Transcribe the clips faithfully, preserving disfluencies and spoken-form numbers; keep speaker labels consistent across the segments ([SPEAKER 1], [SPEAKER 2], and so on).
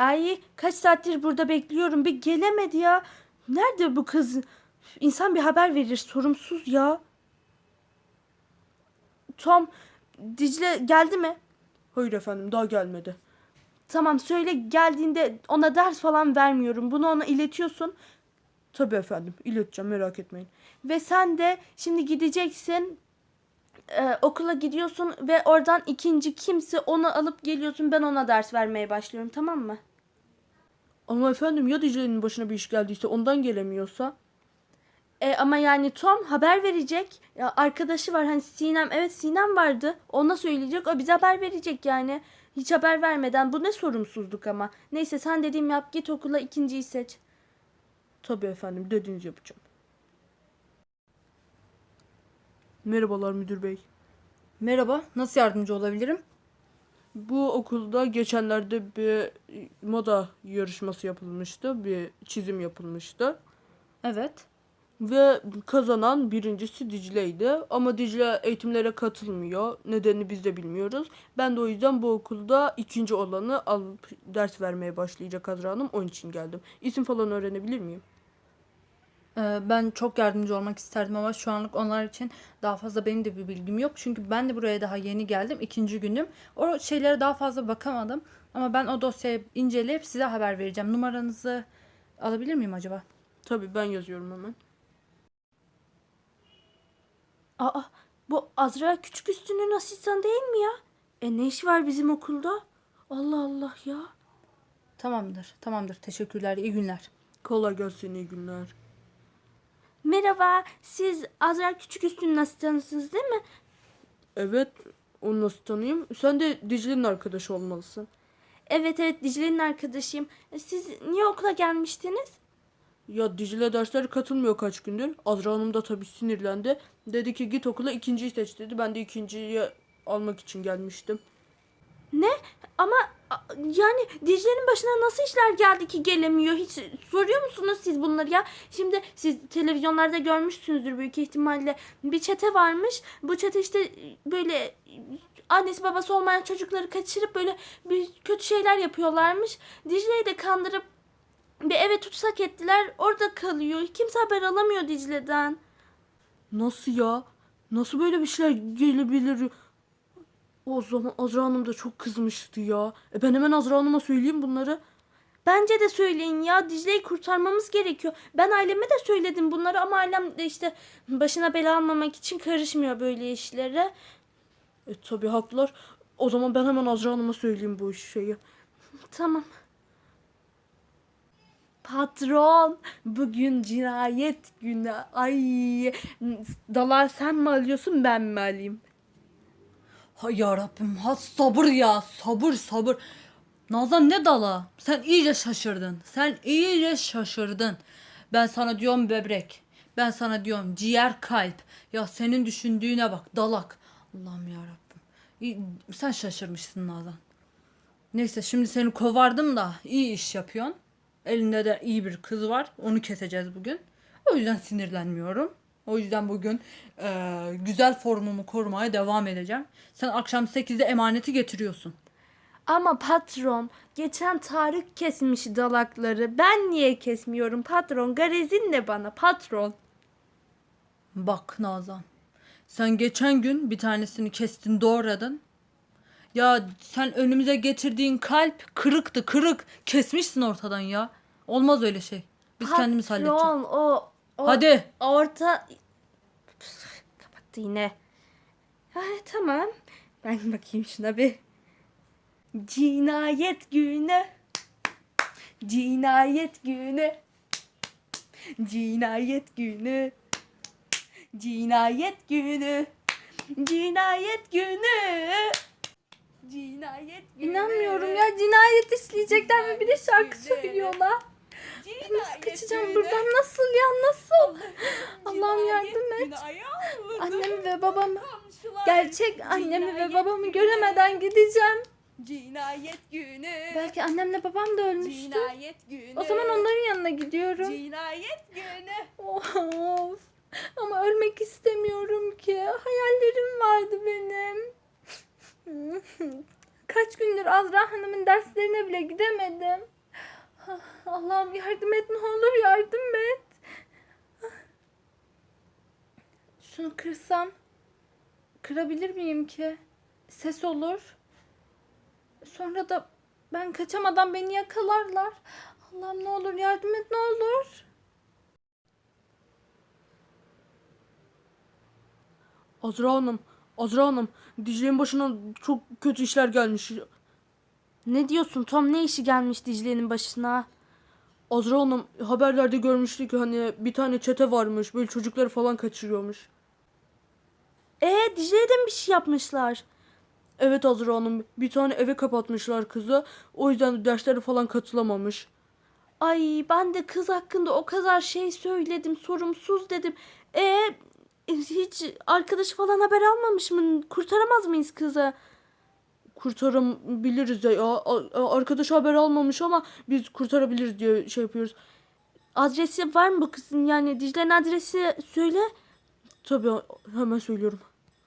[SPEAKER 1] Ay kaç saattir burada bekliyorum. Bir gelemedi ya. Nerede bu kız? İnsan bir haber verir. Sorumsuz ya. Tom, Dicle geldi mi?
[SPEAKER 2] Hayır efendim, daha gelmedi.
[SPEAKER 1] Tamam, söyle geldiğinde ona ders falan vermiyorum. Bunu ona iletiyorsun.
[SPEAKER 2] Tabii efendim, ileteceğim, merak etmeyin.
[SPEAKER 1] Ve sen de şimdi gideceksin. Ee, okula gidiyorsun ve oradan ikinci kimse onu alıp geliyorsun. Ben ona ders vermeye başlıyorum, tamam mı?
[SPEAKER 2] Ama efendim, ya Dicle'nin başına bir iş geldiyse, ondan gelemiyorsa?
[SPEAKER 1] E, ama yani Tom haber verecek. Ya, arkadaşı var hani Sinem. Evet, Sinem vardı. Ona söyleyecek. O bize haber verecek yani. Hiç haber vermeden. Bu ne sorumsuzluk ama. Neyse, sen dediğim yap. Git okula, ikinciyi seç.
[SPEAKER 2] Tabii efendim, dediğinizi yapacağım. Merhabalar müdür bey.
[SPEAKER 3] Merhaba, nasıl yardımcı olabilirim?
[SPEAKER 2] Bu okulda geçenlerde bir moda yarışması yapılmıştı. Bir çizim yapılmıştı.
[SPEAKER 3] Evet.
[SPEAKER 2] Ve kazanan birincisi Dicle'ydi. Ama Dicle eğitimlere katılmıyor. Nedenini biz de bilmiyoruz. Ben de o yüzden bu okulda ikinci olanı alıp ders vermeye başlayacak Azra Hanım. Onun için geldim. İsim falan öğrenebilir miyim?
[SPEAKER 3] Ee, ben çok yardımcı olmak isterdim ama şu anlık onlar için daha fazla benim de bir bilgim yok. Çünkü ben de buraya daha yeni geldim. İkinci günüm. O şeylere daha fazla bakamadım. Ama ben o dosyayı inceleyip size haber vereceğim. Numaranızı alabilir miyim acaba?
[SPEAKER 2] Tabii, ben yazıyorum hemen.
[SPEAKER 1] Aa, bu Azra Küçük Üstün'ün asistanı değil mi ya? E ne iş var bizim okulda? Allah Allah ya.
[SPEAKER 3] Tamamdır, tamamdır. Teşekkürler, iyi günler.
[SPEAKER 2] Kolay gelsin, iyi günler.
[SPEAKER 1] Merhaba, siz Azra Küçük Üstün'ün asistanısınız değil mi?
[SPEAKER 2] Evet, onu nasıl tanıyayım? Sen de Dicle'nin arkadaşı olmalısın.
[SPEAKER 1] Evet evet, Dicle'nin arkadaşıyım. E, Siz niye okula gelmiştiniz?
[SPEAKER 2] Ya Dicle derslere katılmıyor kaç gündür. Azra Hanım da tabii sinirlendi. Dedi ki git okula, ikinciyi seç dedi. Ben de ikinciyi almak için gelmiştim.
[SPEAKER 1] Ne? Ama a- yani Dicle'nin başına nasıl işler geldi ki gelemiyor? Hiç soruyor musunuz siz bunları ya? Şimdi siz televizyonlarda görmüşsünüzdür büyük ihtimalle. Bir çete varmış. Bu çete işte böyle annesi babası olmayan çocukları kaçırıp böyle bir kötü şeyler yapıyorlarmış. Dicle'yi de kandırıp bir eve tutsak ettiler. Orada kalıyor. Kimse haber alamıyor Dicle'den.
[SPEAKER 2] Nasıl ya? Nasıl böyle bir şeyler gelebilir? O zaman Azra Hanım da çok kızmıştı ya. E ben hemen Azra Hanım'a söyleyeyim bunları.
[SPEAKER 1] Bence de söyleyin ya. Dicle'yi kurtarmamız gerekiyor. Ben aileme de söyledim bunları ama ailem de işte başına bela almamak için karışmıyor böyle işlere.
[SPEAKER 2] E tabii haklılar. O zaman ben hemen Azra Hanım'a söyleyeyim bu şeyi.
[SPEAKER 1] Tamam. Patron, bugün cinayet günü. Ay, dalağı sen mi alıyorsun, ben mi alayım?
[SPEAKER 3] Hay yarabbim, ha sabır ya, sabır sabır. Nazan ne dala? Sen iyice şaşırdın. Sen iyice şaşırdın. Ben sana diyorum böbrek. Ben sana diyorum ciğer kalp. Ya senin düşündüğüne bak dalak. Allah'ım yarabbim. İyi, sen şaşırmışsın Nazan. Neyse şimdi seni kovardım da iyi iş yapıyorsun. Elinde de iyi bir kız var. Onu keseceğiz bugün. O yüzden sinirlenmiyorum. O yüzden bugün eee, güzel formumu korumaya devam edeceğim. Sen akşam sekizde emaneti getiriyorsun.
[SPEAKER 1] Ama patron, geçen Tarık kesmiş dalakları. Ben niye kesmiyorum patron? Garezin de bana patron.
[SPEAKER 3] Bak Nazan. Sen geçen gün bir tanesini kestin doğradın. Ya sen önümüze getirdiğin kalp kırıktı kırık. Kesmişsin ortadan ya. Olmaz öyle şey. Biz kendimiz halledeceğiz.
[SPEAKER 1] Patron, o, o
[SPEAKER 3] Hadi.
[SPEAKER 1] orta... Püf, kapattı yine. Ay, tamam. Ben bakayım şuna bir. Cinayet günü. Cinayet günü. Cinayet günü. Cinayet günü. Cinayet günü. Cinayet günü.
[SPEAKER 3] İnanmıyorum ya, cinayet işleyecekler ve bir de şarkı söylüyorlar. Nasıl kaçacağım buradan, nasıl ya, nasıl? Allah'ım yardım et. Annemi ve babamı, gerçek annemi ve babamı göremeden gideceğim.
[SPEAKER 1] Cinayet günü.
[SPEAKER 3] Belki annemle babam da ölmüştür.
[SPEAKER 1] Cinayet günü.
[SPEAKER 3] O zaman onların yanına gidiyorum.
[SPEAKER 1] Cinayet günü.
[SPEAKER 3] Of. Ama ölmek istemiyorum ki. Hayallerim vardı benim. Kaç gündür Azra Hanım'ın derslerine bile gidemedim. Allah'ım yardım et, ne olur yardım et. Şunu kırsam kırabilir miyim ki? Ses olur. Sonra da ben kaçamadan beni yakalarlar. Allah'ım ne olur yardım et, ne olur.
[SPEAKER 2] Azra Hanım, Azra Hanım, Dicle'nin başına çok kötü işler gelmiş.
[SPEAKER 1] Ne diyorsun Tom, ne işi gelmiş Dicle'nin başına?
[SPEAKER 2] Azra Hanım, haberlerde görmüştük hani bir tane çete varmış, böyle çocukları falan kaçırıyormuş.
[SPEAKER 1] Ee Dicle'ye de mi bir şey yapmışlar?
[SPEAKER 2] Evet Azra Hanım, bir tane eve kapatmışlar kızı, o yüzden de derslere falan katılamamış.
[SPEAKER 1] Ay ben de kız hakkında o kadar şey söyledim, sorumsuz dedim. E hiç arkadaşı falan haber almamış mı? Kurtaramaz mıyız kızı?
[SPEAKER 2] Kurtarabiliriz ya, A- arkadaş haber almamış ama biz kurtarabiliriz diye şey yapıyoruz.
[SPEAKER 1] Adresi var mı bu kızın? Yani Dicle'nin adresi söyle.
[SPEAKER 2] Tabii, hemen söylüyorum.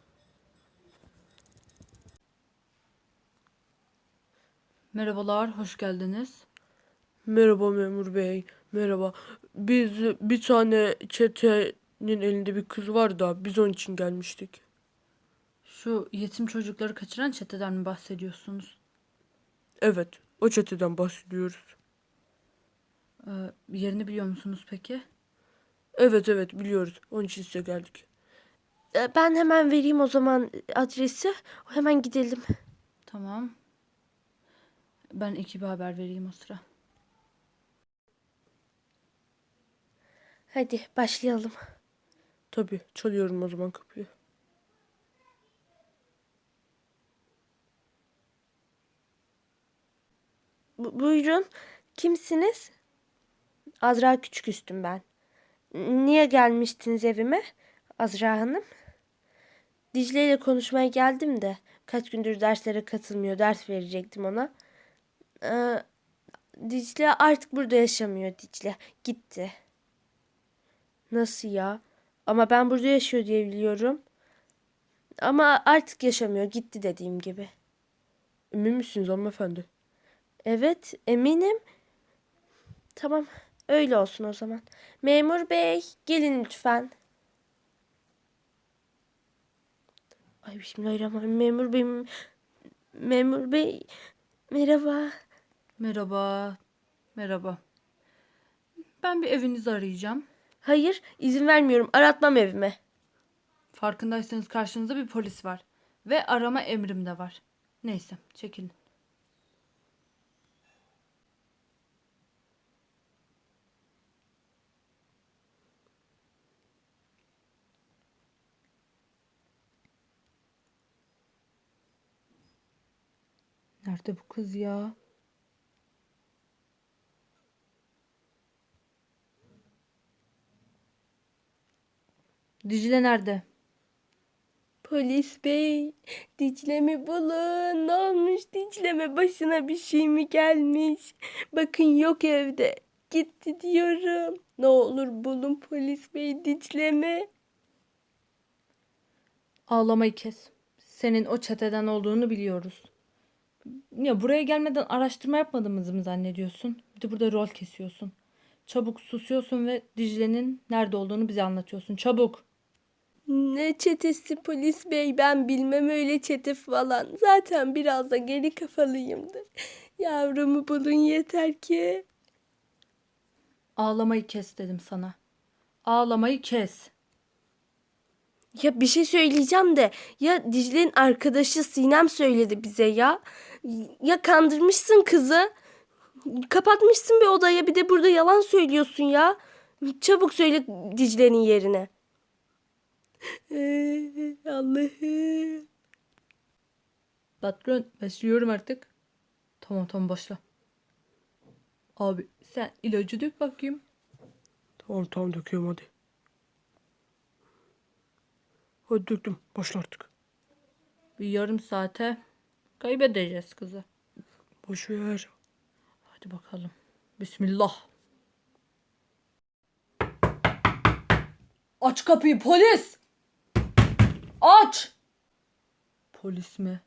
[SPEAKER 3] Merhabalar, hoş geldiniz.
[SPEAKER 2] Merhaba memur bey, merhaba. Biz bir tane çetenin elinde bir kız var da biz onun için gelmiştik.
[SPEAKER 3] Şu yetim çocukları kaçıran çeteden mi bahsediyorsunuz?
[SPEAKER 2] Evet, o çeteden bahsediyoruz.
[SPEAKER 3] Ee, yerini biliyor musunuz peki?
[SPEAKER 2] Evet evet biliyoruz. Onun için size geldik.
[SPEAKER 1] E, Ben hemen vereyim o zaman adresi. Hemen gidelim.
[SPEAKER 3] Tamam. Ben ekibe haber vereyim o sıra.
[SPEAKER 1] Hadi başlayalım.
[SPEAKER 2] Tabii, çalıyorum o zaman kapıyı.
[SPEAKER 1] Bu- buyurun. Kimsiniz? Azra Küçüküstüm ben. Niye gelmiştiniz evime? Azra Hanım. Dicle ile konuşmaya geldim de kaç gündür derslere katılmıyor. Ders verecektim ona. Ee, Dicle artık burada yaşamıyor Dicle. Gitti. Nasıl ya? Ama ben burada yaşıyor diye biliyorum. Ama artık yaşamıyor. Gitti dediğim gibi.
[SPEAKER 2] Emin misiniz hanımefendi?
[SPEAKER 1] Evet, eminim. Tamam, öyle olsun o zaman. Memur bey, gelin lütfen. Ay bismillahirrahmanirrahim. Memur bey, memur bey, merhaba.
[SPEAKER 3] Merhaba. Merhaba. Ben bir evinizi arayacağım.
[SPEAKER 1] Hayır, izin vermiyorum. Aratmam evime.
[SPEAKER 3] Farkındaysanız karşınızda bir polis var. Ve arama emrim de var. Neyse, çekilin. Nerede bu kız ya? Dicle nerede?
[SPEAKER 1] Polis bey, Dicle'mi bulun. Ne olmuş Dicle'me? Başına bir şey mi gelmiş? Bakın yok evde. Gitti diyorum. Ne olur bulun polis bey Dicle'mi.
[SPEAKER 3] Ağlamayı kes. Senin o çeteden olduğunu biliyoruz. Ya buraya gelmeden araştırma yapmadığımızı mı zannediyorsun? Bir de burada rol kesiyorsun. Çabuk susuyorsun ve Dicle'nin nerede olduğunu bize anlatıyorsun. Çabuk.
[SPEAKER 1] Ne çetesi polis bey, ben bilmem öyle çete falan. Zaten biraz da geri kafalıyımdır. Yavrumu bulun yeter ki.
[SPEAKER 3] Ağlamayı kes dedim sana. Ağlamayı kes.
[SPEAKER 1] Ya bir şey söyleyeceğim de ya Dicle'nin arkadaşı Sinem söyledi bize ya. Ya kandırmışsın kızı. Kapatmışsın bir odaya, bir de burada yalan söylüyorsun ya. Çabuk söyle Dicle'nin yerine. Ee, Allah'ım.
[SPEAKER 3] Patron başlıyorum artık. Tamam tamam başla. Abi sen ilacı dök bakayım.
[SPEAKER 2] Tamam tamam döküyorum hadi. Hadi döktüm. Başla artık.
[SPEAKER 3] Bir yarım saate kaybedeceğiz kızı.
[SPEAKER 2] Boş ver.
[SPEAKER 3] Hadi bakalım. Bismillah. Aç kapıyı polis. Aç. Polis mi?